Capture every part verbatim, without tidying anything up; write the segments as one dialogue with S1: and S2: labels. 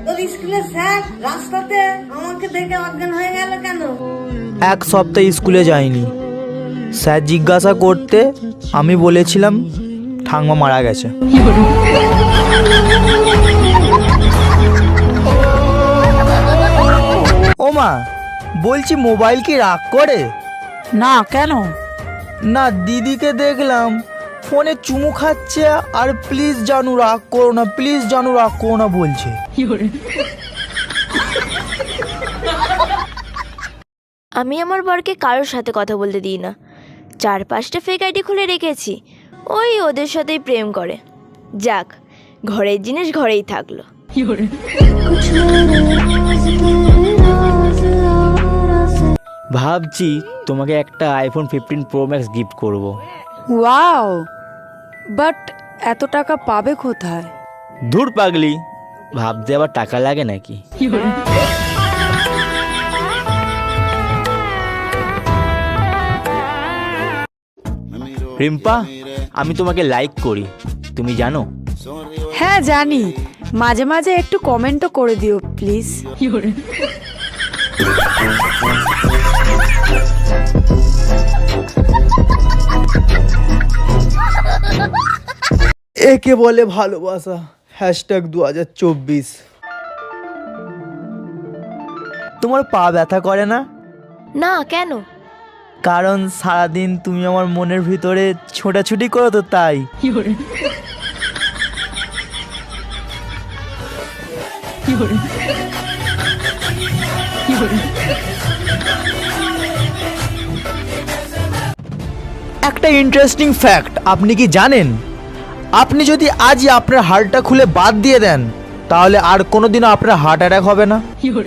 S1: তোর স্কুলের স্যার রাস্তাতে আমাকে দেখে অজ্ঞান হয়ে গেল কেন?
S2: এক সপ্তাহ স্কুলে যাইনি। স্যার জিজ্ঞাসা করতে আমি বলেছিলাম ঠাংমা মারা গেছে। ও মা, বলছি মোবাইল কি রাগ করে?
S3: না, কেন?
S2: না, দিদিকে দেখলাম ফোনে চুমু খাচ্ছে আর প্লিজ জানু রাগ করো না, প্লিজ জানু রাগ করো না বলছে।
S4: আমি আমার বরকে কারোর সাথে কথা বলতে দিই না। চার পাঁচটা ফেক আইডি খুলে রেখেছি, ওই ওদের সাথেই প্রেম করে। যাক, ঘরের জিনিস ঘরেই থাকলো।
S5: ভাবছি তোমাকে একটা iPhone fifteen Pro Max gift করব।
S3: ওয়াও, বাট এত টাকা পাবে কোথায়?
S5: ধুর পাগলি, ভাবতে আবার টাকা লাগে নাকি? রিম্পা, আমি তোমাকে লাইক করি, তুমি জানো?
S3: হ্যাঁ জানি, মাঝে মাঝে একটু কমেন্টও করে দিও প্লিজ।
S2: একে বলে ভালোবাসা। হ্যাশট্যাগ দু হাজার চব্বিশ। তোমার পা ব্যথা করে না?
S4: না, কেন?
S2: কারণ সারাদিন তুমি আমার মনের ভিতরে ছোটাছুটি করো তো, তাই। একটা ইন্টারেস্টিং ফ্যাক্ট আপনি কি জানেন, আপনি যদি আজই আপনার হাড়টা খুলে বাদ দিয়ে দেন তাহলে আর কোনোদিনও আপনার হার্ট অ্যাটাক হবে না।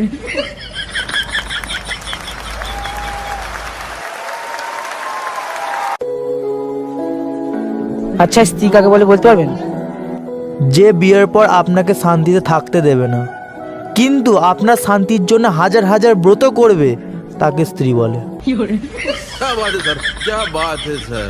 S6: আচ্ছা, স্ত্রী কাকে বলে বলতে পারবেন?
S2: যে বিয়ের পর আপনাকে শান্তিতে থাকতে দেবে না, কিন্তু আপনার শান্তির জন্য হাজার হাজার ব্রত করবে, তাকে স্ত্রী বলে।
S7: क्या बात है सर, क्या बात है सर।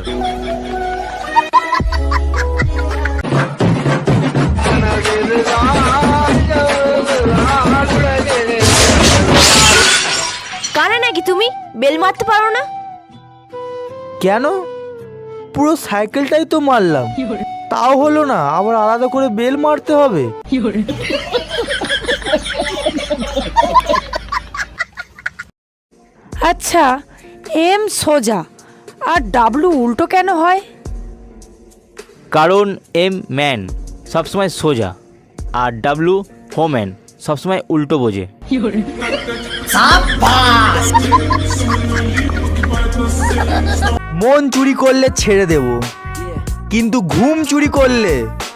S4: কানা নাকি তুমি? বেল মারতে পারো না?
S2: কেন? পুরো সাইকেলটাই তো মারলাম, তাও হলো না, আবার আলাদা করে বেল মারতে হবে?
S3: আচ্ছা, এম সোজা আর ডাব্লু উল্টো কেন হয়?
S5: কারণ এম ম্যান সবসময় সোজা আর ডাব্লু হোম্যান সবসময় উল্টো বোঝে।
S2: মন চুরি করলে ছেড়ে দেব, কিন্তু ঘুম চুরি করলে।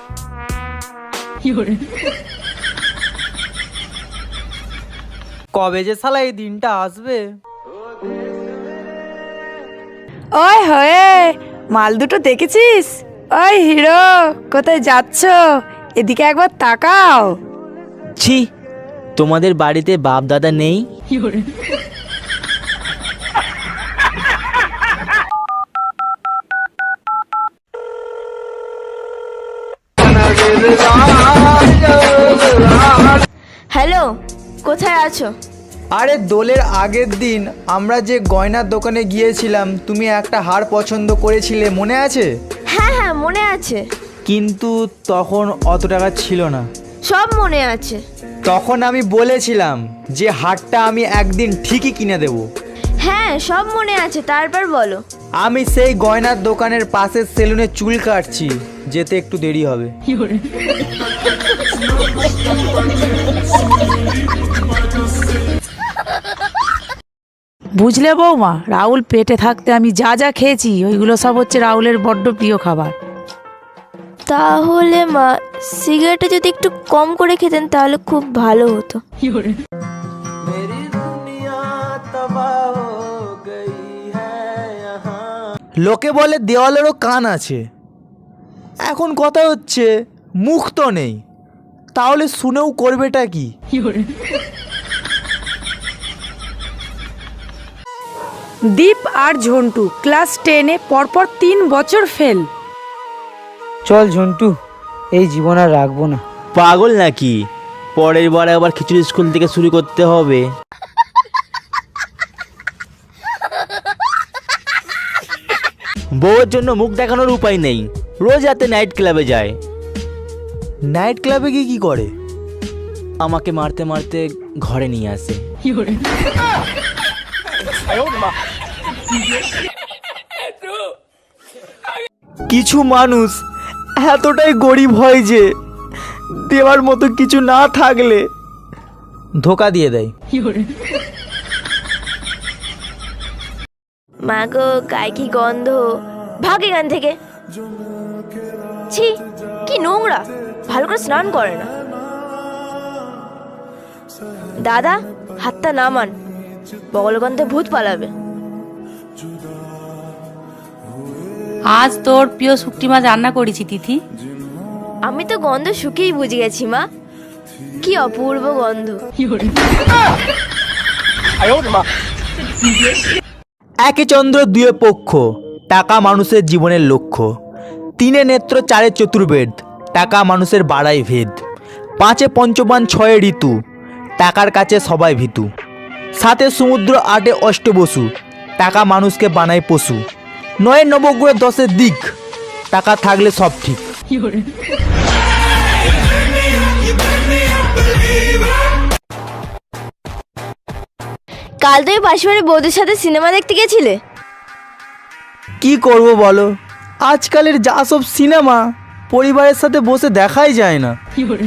S2: কবে যে শালা এই দিনটা আসবে?
S3: ওই হয়ে, মাল দুটো দেখেছিস? ওই হিরো, কোথায় যাচ্ছ? এদিকে একবার তাকাও।
S5: ছি, তোমাদের বাড়িতে বাপ দাদা নেই?
S4: হ্যালো, কোথায় আছো?
S2: আরে দোলের আগের দিন আমরা যে গয়নার দোকানে গিয়েছিলাম, তুমি একটা হার পছন্দ করেছিলে, মনে আছে?
S4: হ্যাঁ হ্যাঁ, মনে আছে।
S2: কিন্তু তখন অত টাকা ছিল না।
S4: সব মনে আছে।
S2: তখন আমি বলেছিলাম যে হারটা আমি একদিন ঠিকই কিনে দেব।
S4: হ্যাঁ, সব মনে আছে, তারপর বলো।
S2: আমি সেই গয়নার দোকানের পাশের সেলুনে চুল কাটছি, যেতে একটু দেরি হবে।
S3: বুঝলে বৌমা, রাহুল পেটে থাকতে আমি যা যা খেয়েছি ওইগুলো সব হচ্ছে রাহুলের বড্ড প্রিয় খাবার।
S4: তাহলে মা, সিগারেটটা যদি একটু কম করে খেতেন তাহলে খুব ভালো হতো।
S2: লোকে বলে দেওয়ালেরও কান আছে। এখন কথা হচ্ছে মুখ তো নেই, তাহলে শুনেও করবেটা কি?
S3: দীপ আর ঝন্টু ক্লাস টেনে পরপর তিন বছর ফেল।
S6: চল ঝন্টু, এই জীবন আর রাখবো না।
S5: পাগল নাকি? পরের বার আবার খিচুড়ি স্কুল থেকে শুরু করতে হবে। বউয়ের জন্য মুখ দেখানোর উপায় নেই, রোজ রাতে নাইট ক্লাবে যায়।
S2: নাইট ক্লাবে গিয়ে কি করে?
S5: আমাকে মারতে মারতে ঘরে নিয়ে আসে।
S2: কিছু মানুষ এতটাই গরিব হয় যে দেওয়ার মতো কিছু না থাকলে ধোকা দিয়ে দেয়।
S4: মা গো, গায়ে কি গন্ধ, ভাগ এখান থেকে। ছি, কি নোংরা, ভালো করে স্নান করে না। দাদা, হাতটা নামান, বগল গন্ধে ভূত পালাবে।
S8: আজ তোর প্রিয় শুকটি মাছ রান্না করেছি তিথি।
S4: আমি তো গন্ধ শুকেই বুঝে গেছি মা, কি অপূর্ব গন্ধ।
S2: একে চন্দ্র দুয়ে পক্ষ, টাকা মানুষের জীবনের লক্ষ্য। তিনে নেত্র চারে চতুর্বেদ, টাকা মানুষের বাড়াই ভেদ। পাঁচে পঞ্চবান ছয়ে ঋতু, টাকার কাছে সবাই ভীতু। সাতে সমুদ্র আটে অষ্টবসু, টাকা মানুষকে বানায় পশু। নয় নবগ্রহ দশের দিক, টাকা থাকলে সব ঠিক।
S4: কাল তুমি পাশে বৌদির সাথে সিনেমা দেখতে গেছিলে?
S2: কি করব বলো, আজকালের যা সব সিনেমা পরিবারের সাথে বসে দেখাই যায় না।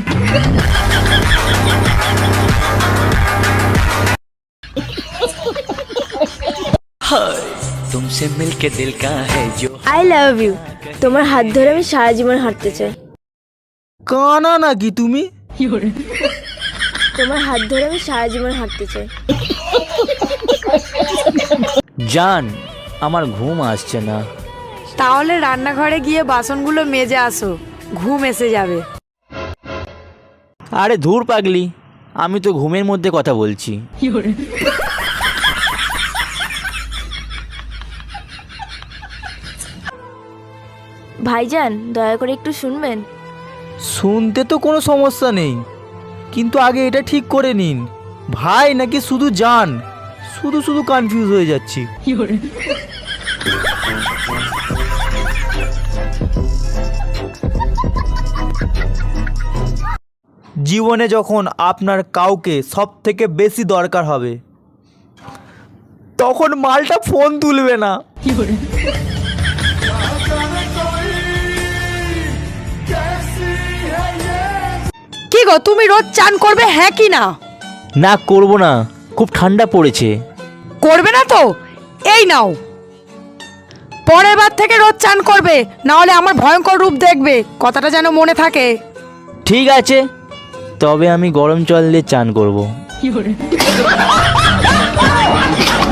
S9: तुमसे मिलके दिल का है जो
S4: আই লাভ ইউ। তোমার হাত ধরে আমি সারা জীবন হাঁটতে চাই।
S2: কানা নাকি তুমি?
S4: তোমার হাত ধরে আমি সারা জীবন হাঁটতে চাই।
S5: জান, আমার ঘুম আসছে না।
S3: তাহলে রান্নাঘরে গিয়ে বাসনগুলো মেজে আসো, ঘুম এসে যাবে।
S5: আরে ধুর পাগলি, আমি তো ঘুমের মধ্যে কথা বলছি।
S4: ভাইজান, দয়া করে একটু শুনবেন।
S2: শুনতে তো কোনো সমস্যা নেই, কিন্তু আগে এটা ঠিক করে নিন, ভাই নাকি শুধু জান? শুধু শুধু কনফিউজ হয়ে যাচ্ছি। জীবনে যখন আপনার কাউকে সব থেকে বেশি দরকার হবে, তখন মালটা ফোন তুলবে না।
S3: কি গো, তুমি রোজ চান করবে হ্যাঁ কি না?
S5: না, করব না, খুব ঠান্ডা পড়েছে।
S3: করবে না তো এই নাও, পরের বার থেকে রোজ চান করবে, না হলে আমার ভয়ঙ্কর রূপ দেখবে, কথাটা যেন মনে থাকে।
S5: ঠিক আছে, তবে আমি গরম জল দিয়ে চান করব।